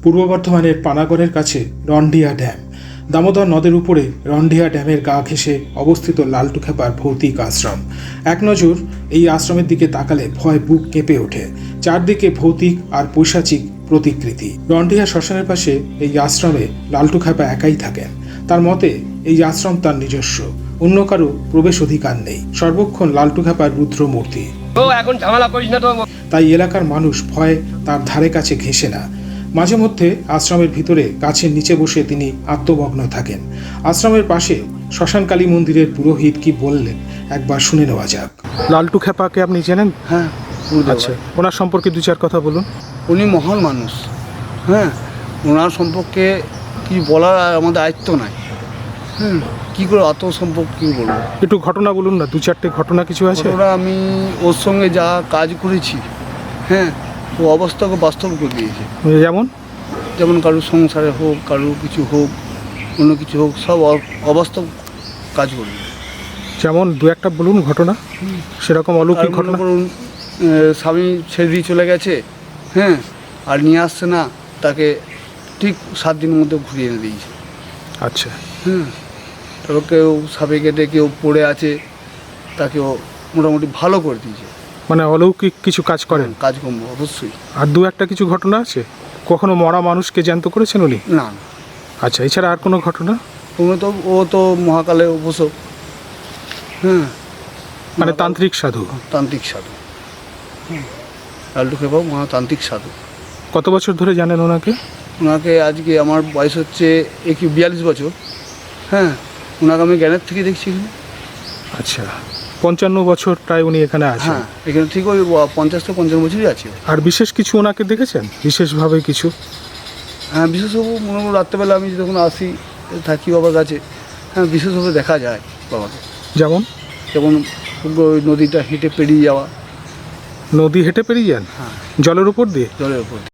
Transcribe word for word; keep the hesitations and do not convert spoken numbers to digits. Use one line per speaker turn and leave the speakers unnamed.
পূর্ব বর্ধমানের পানাগড়ের কাছে রন্ডিয়া ড্যাম। দামোদর নদের উপরে রন্ডিয়া ড্যামের গা ঘেঁষে অবস্থিত লালটুখ্যাপার ভৌতিক আশ্রম। এক নজর এই আশ্রমের দিকে তাকালে ভয় বুক কেঁপে ওঠে। চারদিকে ভৌতিক আর পৈশাচিক প্রতিকৃতি। রন্ডিয়া শ্মশানের পাশে এই আশ্রমে লালটুখ্যাপা একাই থাকেন। তার মতে এই আশ্রম তার নিজস্ব, অন্য কারো প্রবেশ অধিকার নেই। সর্বক্ষণ লালটুখ্যাপার রুদ্র মূর্তি।
এখন ঝামেলা করিস না তো।
তাই এলাকার মানুষ ভয়ে তার ধারে কাছে ঘেঁষে না। মাঝে মধ্যে আশ্রমের ভিতরে গাছের নিচে বসে তিনি আত্মমগ্ন থাকেন। আশ্রমের পাশে শ্মশানকালী মন্দিরের পুরোহিত কি বললেন একবার শুনে নেওয়া যাক। লালটুখ্যাপাকে আপনি জানেন?
হ্যাঁ,
আচ্ছা, ওনার সম্পর্কে দু চার কথা বলুন।
উনি মহান মানুষ। হ্যাঁ, ওনার সম্পর্কে কি বলার আমাদের দায়িত্ব নাই। হুম, কী করে অত সম্পর্কে কী বলবো?
একটু ঘটনা বলুন না, দু চারটে ঘটনা কিছু আছে?
ওরা আমি ওর সঙ্গে যা কাজ করেছি, হ্যাঁ, ও অবস্থাকে বাস্তব করে দিয়েছে।
যেমন
যেমন কারোর সংসারে হোক, কারোর কিছু হোক, অন্য কিছু হোক, সব অবাস্তব কাজ করবে।
যেমন দু একটা বলুন ঘটনা, সেরকম অলৌকিক ঘটনা।
করুন, স্বামী ছেড়ে দিয়ে চলে গেছে, হ্যাঁ, আর নিয়ে আসছে না, তাকে ঠিক সাত দিনের মধ্যে ঘুরিয়ে এনে দিয়েছে।
আচ্ছা,
হুম, তারপর কেউ সাপে কেটে কেউ পড়ে আছে, তাকেও মোটামুটি ভালো করে দিয়েছে।
মানে অলৌকিক কিছু কাজ করেন?
কাজকর্ম অবশ্যই।
আর দু একটা কিছু ঘটনা আছে? কখনো মরা মানুষকে জ্যান্ত করেছেন উনি?
না না।
আচ্ছা, এছাড়া আর কোনো ঘটনা?
তুমি তো ও তো মহাকালে উপসক। হ্যাঁ,
মানে তান্ত্রিক সাধু?
তান্ত্রিক সাধু। হুম, লালটুখ্যাপা মহাতান্ত্রিক সাধু।
কত বছর ধরে জানেন ওনাকে?
ওনাকে আজকে আমার বয়স হচ্ছে একই বিয়াল্লিশ বছর। হ্যাঁ, ওনাকে আমি জ্ঞানের থেকে দেখছি এখানে।
আচ্ছা, পঞ্চান্ন বছর প্রায় উনি এখানে আছেন?
হ্যাঁ, এখানে ঠিক ওই পঞ্চাশ থেকে পঞ্চান্ন বছরই আছে।
আর বিশেষ কিছু ওনাকে দেখেছেন বিশেষভাবে কিছু?
হ্যাঁ, বিশেষভাবে মনে করো রাত্রেবেলা আমি যখন আসি থাকি বাবার কাছে, হ্যাঁ, বিশেষভাবে দেখা যায় বাবাকে।
যেমন?
যেমন ওই নদীটা হেঁটে পেরিয়ে যাওয়া।
নদী হেঁটে পেরিয়ে যান?
হ্যাঁ,
জলের উপর দিয়ে?
জলের উপর।